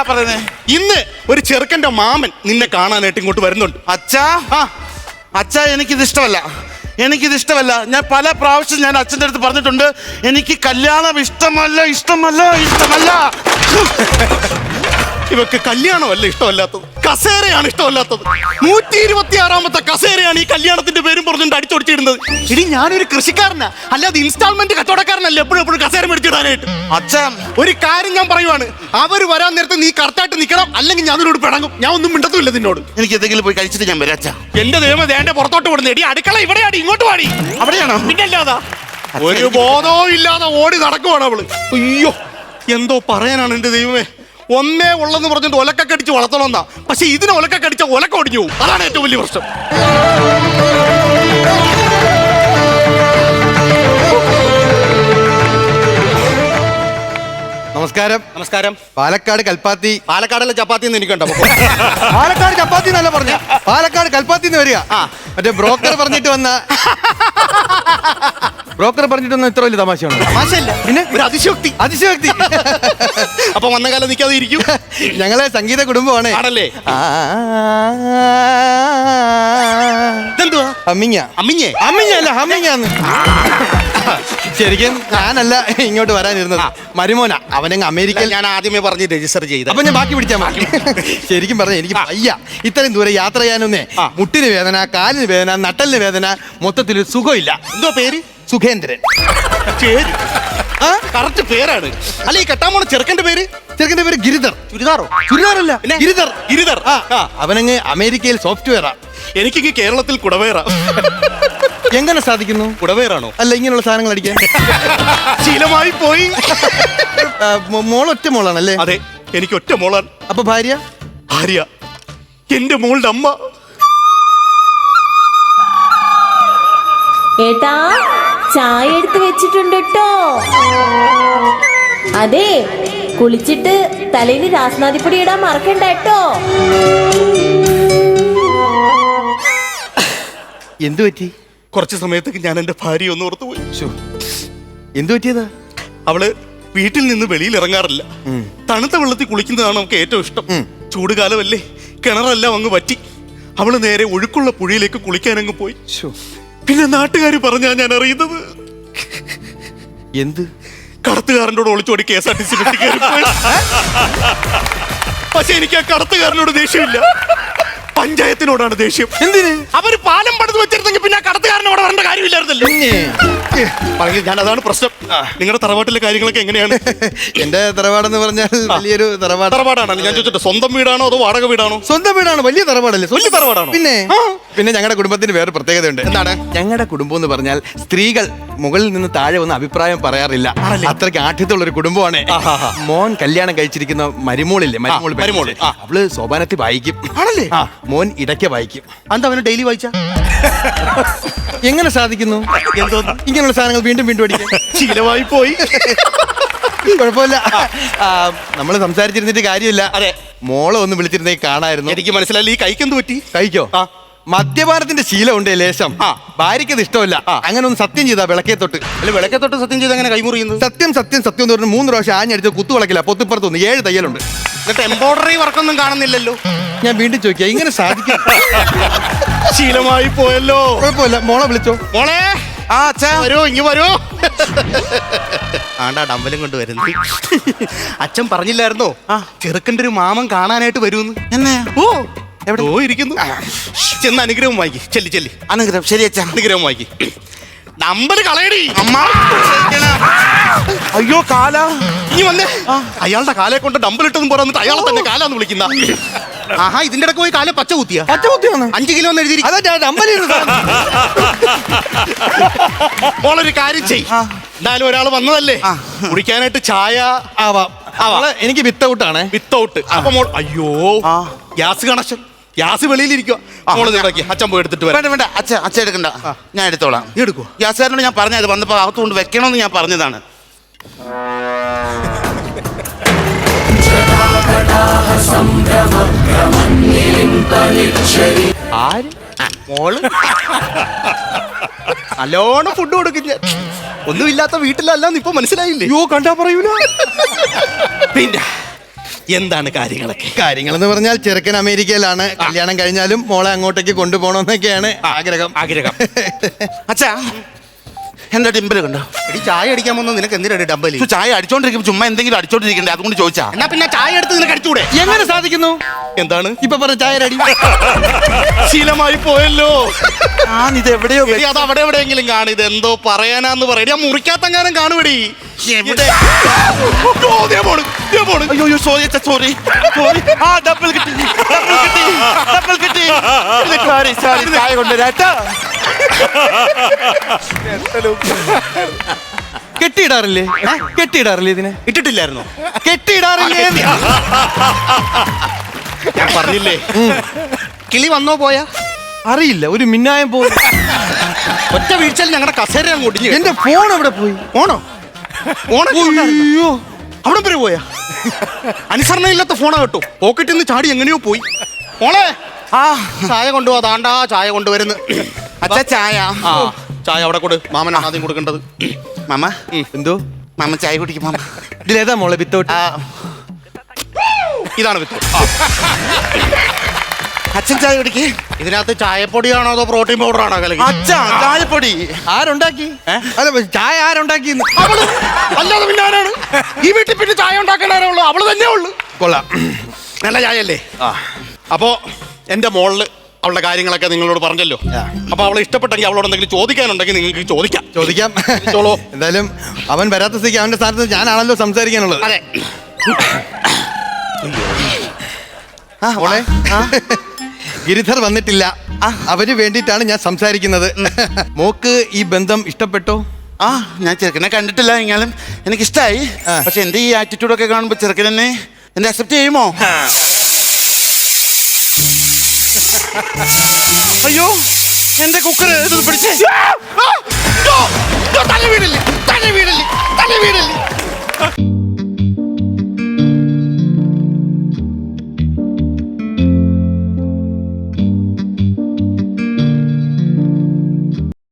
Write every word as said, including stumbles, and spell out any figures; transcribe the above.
പറയുന്നേ? ഇന്ന് ഒരു ചെറുക്കന്റെ മാമൻ നിന്നെ കാണാനായിട്ട് ഇങ്ങോട്ട് വരുന്നുണ്ട്. അച്ഛാ, അച്ഛാ എനിക്കിത് ഇഷ്ടമല്ല, എനിക്കിത് ഇഷ്ടമല്ല. ഞാൻ പല പ്രാവശ്യം ഞാൻ അച്ഛൻ്റെ അടുത്ത് പറഞ്ഞിട്ടുണ്ട്, എനിക്ക് കല്യാണം ഇഷ്ടമല്ല, ഇഷ്ടമല്ല, ഇഷ്ടമല്ല. ഇവക്ക് കല്യാണമല്ല ഇഷ്ടമല്ലാത്തത്, കസേരയാണ് ഇഷ്ടമല്ലാത്തത്. നൂറ്റി ഇരുപത്തി ആറാമത്തെ കസേരയാണ് ഈ കല്യാണത്തിന്റെ പേരും പറഞ്ഞുകൊണ്ട് അടിച്ചൊടിച്ചിടുന്നത്. ഇനി ഞാനൊരു കൃഷിക്കാരനാ, അല്ലാതെ ഇൻസ്റ്റാൾമെന്റ് കച്ചവടക്കാരനല്ല എപ്പോഴും എപ്പോഴും കസേര മേടിച്ചിടാനായിട്ട്. അച്ഛാ, ഒരു കാര്യം ഞാൻ പറയുവാണ്, അവര് വരാൻ നേരത്തെ നീ കറക്റ്റായിട്ട് നിൽക്കണം, അല്ലെങ്കിൽ ഞാൻ നിന്നോട് പിണങ്ങും. ഞാൻ ഒന്നും മിണ്ടത്തുമില്ല നിന്നോട്. എനിക്ക് എന്തെങ്കിലും പോയി കഴിച്ചിട്ട് ഞാൻ വരാം അച്ഛാ. എന്റെ ദൈവം ദേന്റെ പുറത്തോട്ട് വിടുന്ന എടി, അടുക്കള ഇവിടെയാടി, ഇങ്ങോട്ട് പാടി. അവിടെയാണോ? പിന്നല്ലാതാ, ഒരു ബോധവും ഇല്ലാതെ ഓടി നടക്കുവാണ് അവള്. അയ്യോ, എന്തോ പറയാനാണ് എന്റെ ദൈവമേ. ഒന്നേ ഉള്ളെന്ന് പറഞ്ഞിട്ട് ഒലക്കൊക്കെ അടിച്ച് വളർത്തണമെന്നാ, പക്ഷെ ഇതിനെ ഒലക്കൊക്കെ അടിച്ച ഒലക്ക ഒടിഞ്ഞു പോകും. അതാണ് ഏറ്റവും വലിയ പ്രശ്നം. നമസ്കാരം. നമസ്കാരം. പാലക്കാട് കൽപ്പാത്തി. പാലക്കാടല്ല ചപ്പാത്തി എന്ന് എനിക്കുണ്ടോ? പാലക്കാട് ചപ്പാത്തി എന്നല്ല പറഞ്ഞ, പാലക്കാട് കൽപ്പാത്തി എന്ന് വരിക. മറ്റേ ബ്രോക്കർ പറഞ്ഞിട്ട് വന്ന ബ്രോക്കർ പറഞ്ഞിട്ട് വന്ന ഇത്ര വലിയ തമാശയാണ്. തമാശയല്ല, പിന്നെ ഒരു അതിശയോക്തി. അതിശയോക്തി. അപ്പൊ വന്ന കാലം നിൽക്കാതെ ഇരിക്കും. ഞങ്ങളെ സംഗീത കുടുംബമാണ്. ആണല്ലേ? ഇതെന്തുവാ? അമ്മിങ്ങ. അമ്മിഞ്ഞേ? അമ്മിഞ്ഞല്ല, അമ്മിങ്ങാന്ന്. ശരിക്കും ഞാനല്ല ഇങ്ങോട്ട് വരാനിരുന്നത്, മരുമോന. അവനങ്ങ് അമേരിക്കയിൽ. ഞാൻ ആദ്യമേ പറഞ്ഞ് രജിസ്റ്റർ ചെയ്ത്, അപ്പൊ ഞാൻ ബാക്കി പിടിച്ചാൽ മതി. ശരിക്കും പറഞ്ഞ എനിക്ക് വയ്യ ഇത്രയും ദൂരം യാത്ര ചെയ്യാനൊന്നേ. മുട്ടിന് വേദന, കാലിന് വേദന, നട്ടലിന് വേദന, മൊത്തത്തിൽ സുഖമില്ല. എന്തോ പേര്? സുഖേന്ദ്രൻ. പേര് കറക്റ്റ് പേരാണ്. അല്ല, ഈ കെട്ടാൻ പോണ ചെറുക്കന്റെ പേര്? ചെറുക്കന്റെ പേര് ഗിരിധർ. ചുരിദാറോ? ചുരിദാറല്ല, ഗിരിധർ. ഗിരിധർ. അവനങ്ങ് അമേരിക്കയിൽ സോഫ്റ്റ്വെയറാ. എനിക്കിങ്ങ് കേരളത്തിൽ കുടവേറ. എങ്ങനെ സാധിക്കുന്നു? കുടവേറാണോ? അല്ല, ഇങ്ങനെയുള്ള സാധനങ്ങൾ അടിക്കാൻ ശീലമായി പോയി. മോൾ ഒറ്റ മോളാണല്ലേ? അതെ, എനിക്ക് ഒറ്റ മോളാണ്. അപ്പൊ ഭാര്യ? ഭാര്യ എന്റെ മോളുടെ അമ്മ. ഏട്ടാ, ചായ എടുത്ത് വെച്ചിട്ടുണ്ട് കേട്ടോ. അതെ, കുളിച്ചിട്ട് തലയിൽ രാസ്നാദിപ്പൊടി ഇടാൻ മറക്കണ്ട കേട്ടോ. എന്തു പറ്റി? കുറച്ച് സമയത്തേക്ക് ഞാൻ എന്റെ ഭാര്യ ഒന്ന് ഓർത്തു പോയി. എന്തു പറ്റിയതാ? അവള് വീട്ടിൽ നിന്ന് വെളിയിൽ ഇറങ്ങാറില്ല. തണുത്ത വെള്ളത്തിൽ കുളിക്കുന്നതാണ് നമുക്ക് ഏറ്റവും ഇഷ്ടം. ചൂടുകാലമല്ലേ, കിണറെല്ലാം അങ്ങ് വറ്റി. അവള് നേരെ ഒഴുക്കുള്ള പുഴയിലേക്ക് കുളിക്കാൻ അങ്ങ് പോയി. പിന്നെ നാട്ടുകാർ പറഞ്ഞാ ഞാൻ അറിയുന്നത്, എന്ത്? കടത്തുകാരനോട് ഒളിച്ചോടി K S R T C പെട്ടി കയറി പോയി. പക്ഷെ എനിക്ക് ആ കടത്തുകാരനോട് ദേഷ്യമില്ല, പഞ്ചായത്തിനോടാണ് ദേഷ്യം. എന്തിന്? അവര് പാലം പണിത് വെച്ചിരുന്നെങ്കിൽ പിന്നെ ആ കടത്തുകാരനോട് വരേണ്ട കാര്യമില്ലായിരുന്നല്ലോ. ഞാൻ അതാണ് പ്രശ്നം. നിങ്ങളുടെ തറവാട്ടിലെ കാര്യങ്ങളൊക്കെ എങ്ങനെയാണ്? എന്റെ തറവാടെന്ന് പറഞ്ഞാൽ വലിയൊരു തറവാട്. തറവാടാണല്ലോ. ഞാൻ ചോദിച്ചിട്ട്, സ്വന്തം വീടാണോ അതോ വാടക വീടാണോ? സ്വന്തം വീടാണ്. വലിയ തറവാടല്ലേ? വലിയ തറവാടാണോ? പിന്നെ പിന്നെ ഞങ്ങളുടെ കുടുംബത്തിന് വേറെ പ്രത്യേകതയുണ്ട്. എന്താണ്? ഞങ്ങളുടെ കുടുംബം എന്ന് പറഞ്ഞാൽ സ്ത്രീകൾ മുകളിൽ നിന്ന് താഴെ വന്ന് അഭിപ്രായം പറയാറില്ല. അത്രയ്ക്ക് ആഠ്യത്തുള്ള ഒരു കുടുംബമാണ്. മോൻ കല്യാണം കഴിച്ചിരിക്കുന്ന മരുമോളില്ലേ, മരുമോൾ മരുമോൾ അവള് സോപാനത്തിൽ വായിക്കും. ആണല്ലേ? മോൻ ഇടയ്ക്ക് വായിക്കും. എന്താ അവന് ഡെയിലി വായിച്ച? എങ്ങനെ സാധിക്കുന്നു? എന്തോ ഇങ്ങനെയുള്ള സാധനങ്ങൾ വീണ്ടും വീണ്ടും അടിക്കാൻ ശീലമായി പോയി. കുഴപ്പമില്ല, നമ്മള് സംസാരിച്ചിരുന്നിട്ട് കാര്യമില്ല. അതെ, മോളെ ഒന്ന് വിളിച്ചിരുന്നേ കാണായിരുന്നു. എനിക്ക് മനസ്സിലായില്ല. ഈ കൈക്ക് എന്ത് പറ്റി? കഴിക്കോ? മദ്യപാനത്തിന്റെ ശീലം ഉണ്ട് ലേശം. ഭാര്യയ്ക്കത് ഇഷ്ടമല്ല. അങ്ങനെ ഒന്ന് സത്യം ചെയ്താ വിളക്കേ തൊട്ട്. അല്ല, വിളക്കേ തൊട്ട് സത്യം ചെയ്ത് അങ്ങനെ കൈമുറിയുന്നത്? സത്യം സത്യം സത്യം എന്ന് പറഞ്ഞ് മൂന്ന് പ്രാവശ്യം ആഞ്ഞടിച്ച് കുത്തു വിളക്കില്ല. പൊത്തിപ്പുറത്തൊന്ന് ഏഴ് തയ്യലുണ്ട്. എന്നിട്ട് എംബ്രോയിഡറി വർക്കൊന്നും കാണുന്നില്ലല്ലോ. ഞാൻ വീണ്ടും ചോദിക്കാം, ഇങ്ങനെ സാധിക്കും? ശീലമായി പോയല്ലോ. കുഴപ്പമില്ല, മോളെ വിളിച്ചോ. മോളെ, ആ അച്ഛാ വരൂ, ഇങ്ങ് വരൂ. ആണ്ടാ ഡമ്പലും കൊണ്ട് വരുന്നത്. അച്ഛൻ പറഞ്ഞില്ലായിരുന്നോ ചെറുക്കൻ്റെ ഒരു മാമൻ കാണാനായിട്ട് വരുമെന്ന്? എന്നെ? ഓ, എവിടെ ഇരിക്കുന്നു? ചെന്ന് അനുഗ്രഹം വായിക്കി. ചെല്ലി ചെല്ലി. അനുഗ്രഹം. ശരി അച്ഛാ, അനുഗ്രഹം വായിക്കി. നമ്പർ കളയടി അമ്മ. അയ്യോ, കാല. ഇനി വന്നേ. അയാളുടെ കാലെ കൊണ്ട് ഡമ്പൽ ഇട്ടതും പോരാ, എന്നിട്ട് അയാളെ തന്നെ കാലാന്ന് വിളിക്കുന്ന. ആഹാ, ഇതിന്റെ ഇടയ്ക്ക് പോയി കാല പച്ച കുത്തിയ പച്ച കുത്തിയാണ് അഞ്ചു കിലോ എന്ന് എഴുതി. മോളൊരു കാര്യം ചെയ്. എന്തായാലും ഒരാൾ വന്നതല്ലേ, കുടിക്കാനായിട്ട് ചായ ആവാം. എനിക്ക് വിത്തൗട്ടാണ്. വിത്തൗട്ട്. അപ്പൊ മോൾ, അയ്യോ, ഗ്യാസ് കണക്ഷൻ. ഗ്യാസ് വെളിയിലിരിക്കുക. മോള് ഇതാക്കി അച്ഛൻ പോയി എടുത്തിട്ട് വരാം. വേണ്ട വേണ്ട അച്ഛ അച്ഛൻ എടുക്കണ്ട, ഞാൻ എടുത്തോളാം. എടുക്കൂ. ഗ്യാസുകാരനോട് ഞാൻ പറഞ്ഞത് വന്നപ്പോ അകത്തുകൊണ്ട് വെക്കണമെന്ന് ഞാൻ പറഞ്ഞതാണ്. ആര്? മോള് നല്ലോണം ഫുഡ് കൊടുക്കും. ഒന്നുമില്ലാത്ത വീട്ടിലല്ലാന്ന് ഇപ്പൊ മനസ്സിലായില്ലേ? യോ, കണ്ടാ പറയൂല. പിന്നെ എന്താണ് കാര്യങ്ങളൊക്കെ? കാര്യങ്ങൾ എന്ന് പറഞ്ഞാൽ ചെറുക്കൻ അമേരിക്കയിലാണ്. കല്യാണം കഴിഞ്ഞാലും മോളെ അങ്ങോട്ടേക്ക് കൊണ്ടുപോകണമെന്നൊക്കെയാണ് ആഗ്രഹം. ആഗ്രഹം. അച്ഛാ എന്റെ ഡിമ്പിൽ കണ്ടോ? എടി ചായ അടിക്കാൻ വന്ന നിനക്ക് എന്തിനാണ് ഡബലി? ചു, ചായ അടിച്ചോണ്ടിരിക്കും, ചുമ്മാ എന്തെങ്കിലും അടിച്ചോണ്ടിരിക്കണ്ടേ, അതുകൊണ്ട് ചോദിച്ചാ. എന്നാ പിന്നെ ചായ എടുത്ത് നിനക്ക് അടിച്ചൂടെ? എങ്ങനെ സാധിക്കുന്നു? എന്താണ് ഇപ്പൊ പറഞ്ഞ ചായ അടി ശീലമായി പോയല്ലോ. ഞാൻ ഇത് എവിടെയോ എടി, അത് അവിടെ എവിടെയെങ്കിലും കാണും. ഇത് എന്തോ പറയാനാന്ന് പറയടി. ഞാൻ മുറിക്കാത്തങ്ങാനും കാണുവടി. എവിടെ? ഓ, ദേ പോണ്, ദേ പോണ്. അയ്യോ അയ്യോ സോറി അച്ഛാ, സോറി സോറി. ആ ഡബിൾ കിട്ടി, ഡബിൾ കിട്ടി, ഡബിൾ കിട്ടി. സോറി സോറി, ചായ കൊണ്ടുവരാട്ടോ. കെട്ടിയിടാറില്ലേ? കെട്ടിയിടാറില്ലേ ഇതിനെ? ഇട്ടിട്ടില്ലായിരുന്നോ? കെട്ടിയിടാറില്ലേ? ഞാൻ പറഞ്ഞില്ലേ, കിളി വന്നോ പോയാ അറിയില്ല, ഒരു മിന്നായം പോയി. ഒറ്റ വീഴ്ചയിൽ ഞങ്ങളുടെ കസേര അങ്ങ് ഒടിഞ്ഞു. എന്റെ ഫോൺ എവിടെ പോയി? ഓണോ ഓണോ അയ്യോ, അവിടെ വരെ പോയാ? അനുസരണ ഇല്ലാത്ത ഫോണാ കേട്ടോ. പോക്കറ്റിൽ നിന്ന് ചാടി എങ്ങനെയോ പോയി. മോളെ ആ ചായ കൊണ്ടുപോവാ. താണ്ടാ ചായ കൊണ്ടുവരുന്നു. അച്ഛാ ചായ. ആ ചായ അവിടെ കൊടു. മാമനാണ് ആദ്യം കൊടുക്കേണ്ടത്. മാമ എന്തോ മാമ ചായ കുടിക്കും മാമ. ഇതിലേതാ മോളെ വിത്തൗട്ട്? ആ ഇതാണ് വിത്ത്. അച്ഛൻ ചായ കുടിക്കേ. ഇതിനകത്ത് ചായപ്പൊടിയാണോ അതോ പ്രോട്ടീൻ പൗഡർ ആണോ കലക്കി? അച്ഛാ ചായപ്പൊടി ആരുണ്ടാക്കി? അല്ല, ചായ ആരുണ്ടാക്കി? അവള്. അല്ലാതെ പിന്നെ ആരാണ് ഈ വീട്ടിൽ പിന്നെ ചായ ഉണ്ടാക്കാനാരേ ഉള്ളൂ? അവള് തന്നെ ഉള്ളു. കൊള്ളാം, നല്ല ചായയല്ലേ? അപ്പോ എന്റെ മോളില് അവളുടെ കാര്യങ്ങളൊക്കെ നിങ്ങളോട് പറഞ്ഞല്ലോ. അപ്പൊ അവളെ ഇഷ്ടപ്പെട്ടെങ്കിൽ അവളോട് എന്തെങ്കിലും ചോദിക്കാനുണ്ടെങ്കിൽ നിങ്ങൾക്ക് ചോദിക്കാം. ചോദിക്കാം. ചോളോ. എന്തായാലും അവൻ വരാത്ത സ്ഥിതിക്ക് അവന്റെ സ്ഥാനത്ത് ഞാനാണല്ലോ സംസാരിക്കാനുള്ളത്. അതെ. ആ മോളെ, ഗിരിധർ വന്നിട്ടില്ല. അവന് വേണ്ടിയിട്ടാണ് ഞാൻ സംസാരിക്കുന്നത്. മോക്ക് ഈ ബന്ധം ഇഷ്ടപ്പെട്ടോ? ആ ഞാൻ ചെറുക്കനെ കണ്ടിട്ടില്ല, എങ്കിലും എനിക്കിഷ്ടായി. ആ. പക്ഷെ എന്റെ ഈ ആറ്റിറ്റ്യൂഡൊക്കെ കാണുമ്പോ ചെറുക്കൻ എന്നെ എന്നെ അക്സെപ്റ്റ് ചെയ്യുമോ? അയ്യോ എന്റെ കുക്കർ ഇത് പിടിച്ചേ. തല വീടില്ലേ, തല വീടില്ലേ, തല